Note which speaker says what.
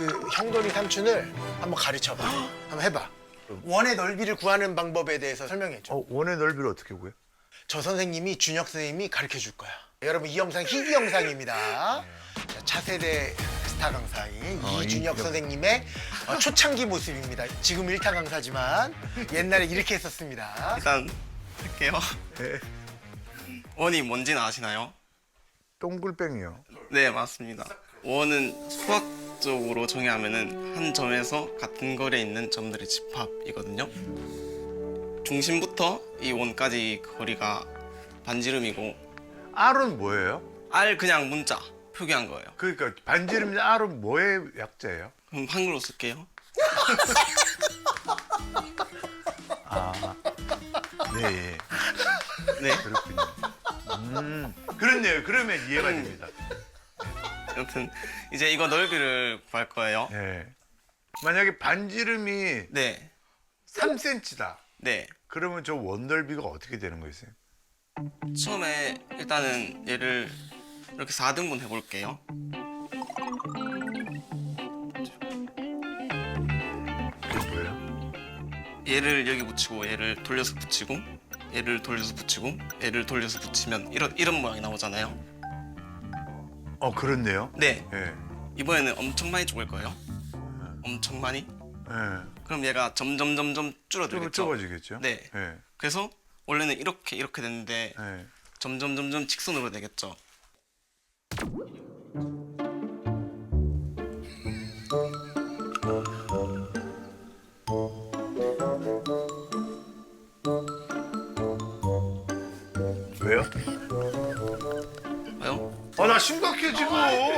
Speaker 1: 그 형돈이 삼촌을 한번 가르쳐봐. 한번 해봐. 원의 넓이를 구하는 방법에 대해서 설명해줘.
Speaker 2: 원의 넓이를 어떻게 구해?
Speaker 1: 저 선생님이 준혁 선생님이 가르쳐 줄 거야. 여러분 이 영상 희귀 영상입니다. 자, 차세대 스타 강사인 이준혁 선생님의 초창기 모습입니다. 지금 1타 강사지만 옛날에 이렇게 했었습니다.
Speaker 3: 일단 할게요.
Speaker 2: 네.
Speaker 3: 원이 뭔지는 아시나요?
Speaker 2: 동글뱅이요.
Speaker 3: 네, 맞습니다. 원은 수학적으로 정의하면은 한 점에서 같은 거리에 있는 점들의 집합이거든요. 중심부터 이 원까지 거리가 반지름이고
Speaker 2: R은 뭐예요?
Speaker 3: R 그냥 문자 표기한 거예요.
Speaker 2: 그러니까 반지름 R은 뭐의 약자예요?
Speaker 3: 그럼 한글로 쓸게요.
Speaker 2: 네,
Speaker 3: 네.
Speaker 2: 그렇군요. 그렇네요. 그러면 이해가 됩니다.
Speaker 3: 아무튼 이제 이거 넓이를 구할 거예요.
Speaker 2: 네. 만약에 반지름이
Speaker 3: 네.
Speaker 2: 3cm다.
Speaker 3: 네.
Speaker 2: 그러면 저 원 넓이가 어떻게 되는 거예요?
Speaker 3: 처음에 일단은 얘를 이렇게 4등분 해볼게요.
Speaker 2: 이게 뭐예요?
Speaker 3: 얘를 여기 붙이고 얘를 돌려서 붙이고 얘를 돌려서 붙이고 얘를 돌려서 붙이면 이런 모양이 나오잖아요.
Speaker 2: 그렇네요.
Speaker 3: 네.
Speaker 2: 네.
Speaker 3: 이번에는 엄청 많이 죽을 거예요. 엄청 많이.
Speaker 2: 네.
Speaker 3: 그럼 얘가 점점
Speaker 2: 좀
Speaker 3: 줄어들겠죠.
Speaker 2: 좁아지겠죠?
Speaker 3: 네.
Speaker 2: 네.
Speaker 3: 그래서 원래는 이렇게 됐는데
Speaker 2: 네.
Speaker 3: 점점 직선으로 되겠죠.
Speaker 2: 왜요?
Speaker 3: 봐요?
Speaker 2: 나 심각해 지금.